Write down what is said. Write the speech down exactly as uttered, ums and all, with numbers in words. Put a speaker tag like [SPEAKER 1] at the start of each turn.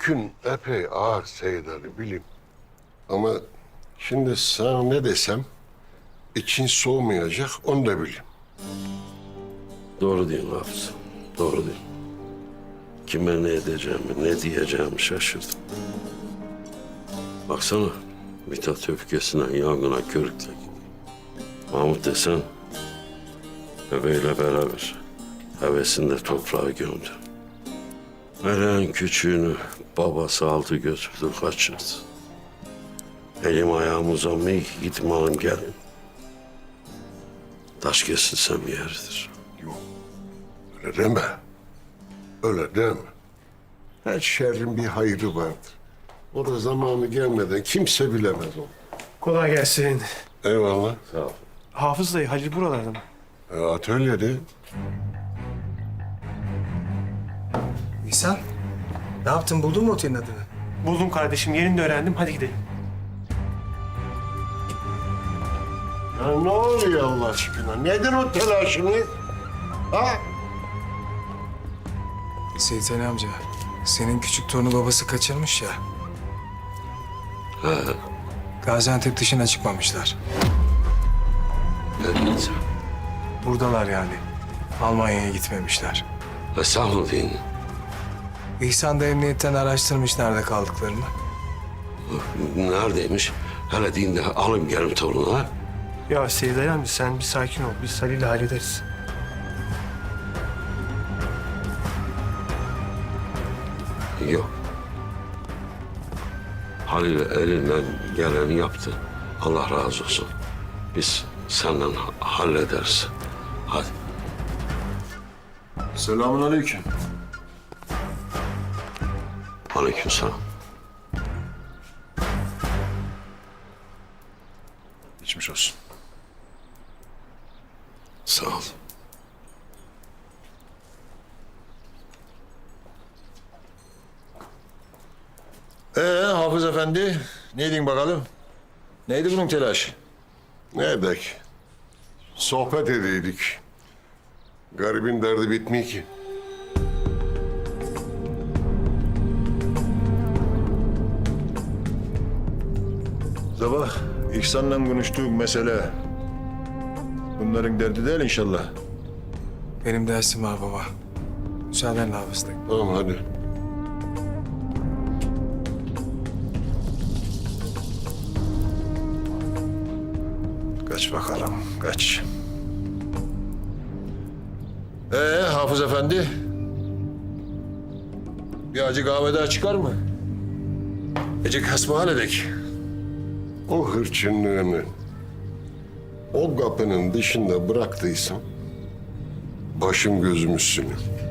[SPEAKER 1] Yükün epey ağır Seyit Ali bileyim. Ama şimdi sana ne desem için soğumayacak onu da bileyim.
[SPEAKER 2] Doğru diyorsun Hafız. Doğru diyorsun. Kime ne edeceğimi, ne diyeceğimi şaşırdım. Baksana, Mithat öfkesinden yangına körükle gidiyor. Mahmut desen, bebeğiyle beraber hevesinde toprağa gömdü. Meleğin küçüğünü babası aldı götürdü kaçırdı. Elim ayağım uzanmıyor, gitme alın gelin. Taş kesilsem yeridir.
[SPEAKER 1] Yok öyle deme. Öyle deme. Her şerrin bir hayrı vardır. O da zamanı gelmeden kimse bilemez onu.
[SPEAKER 3] Kolay gelsin.
[SPEAKER 1] Eyvallah.
[SPEAKER 2] Sağ ol.
[SPEAKER 3] Hafız dayı, Halil buralarda mı?
[SPEAKER 1] E, atölyede.
[SPEAKER 4] İhsan, ne yaptın? Buldun mu otelin adını?
[SPEAKER 3] Buldum kardeşim, yerini de öğrendim. Hadi gidelim.
[SPEAKER 1] Ya ne oluyor Allah aşkına? Nedir o telaşınız? Ha?
[SPEAKER 4] Seyit Ali amca, senin küçük torunu babası kaçırmış ya.
[SPEAKER 2] He,
[SPEAKER 4] Gaziantep dışına çıkmamışlar.
[SPEAKER 2] ne diyeceğim?
[SPEAKER 4] Buradalar yani. Almanya'ya gitmemişler.
[SPEAKER 2] E sağ mı diyeyim?
[SPEAKER 4] İhsan da emniyetten araştırmış nerede kaldıklarını.
[SPEAKER 2] Neredeymiş? Hele deyin de alayım gelin torunu ha.
[SPEAKER 3] Ya Seyit Ali amca sen bir sakin ol. Biz Halil'le hallederiz.
[SPEAKER 2] Yok. Halil elinden geleni yaptı. Allah razı olsun. Biz senden ha- hallederiz. Hadi.
[SPEAKER 5] Selamun aleyküm.
[SPEAKER 2] Aleykümselam.
[SPEAKER 5] Geçmiş olsun.
[SPEAKER 2] Sağ ol.
[SPEAKER 5] Ee Hafız Efendi, neydin bakalım? Neydi bunun telaşı?
[SPEAKER 1] Ne edek? Sohbet edeydik. Garibin derdi bitmiyor ki.
[SPEAKER 5] Sabah İhsan'la konuştuğum mesele bunların derdi değil inşallah.
[SPEAKER 4] Benim dersim var baba. Müsaadenle Hafız dayı.
[SPEAKER 1] Tamam hadi.
[SPEAKER 5] Kaç bakalım, kaç. Ee Hafız Efendi, bir acı kahve daha çıkar mı? Ecik hasbihal edek.
[SPEAKER 1] O hırçınlığını o kapının dışında bıraktıysam başım gözüm üstüne.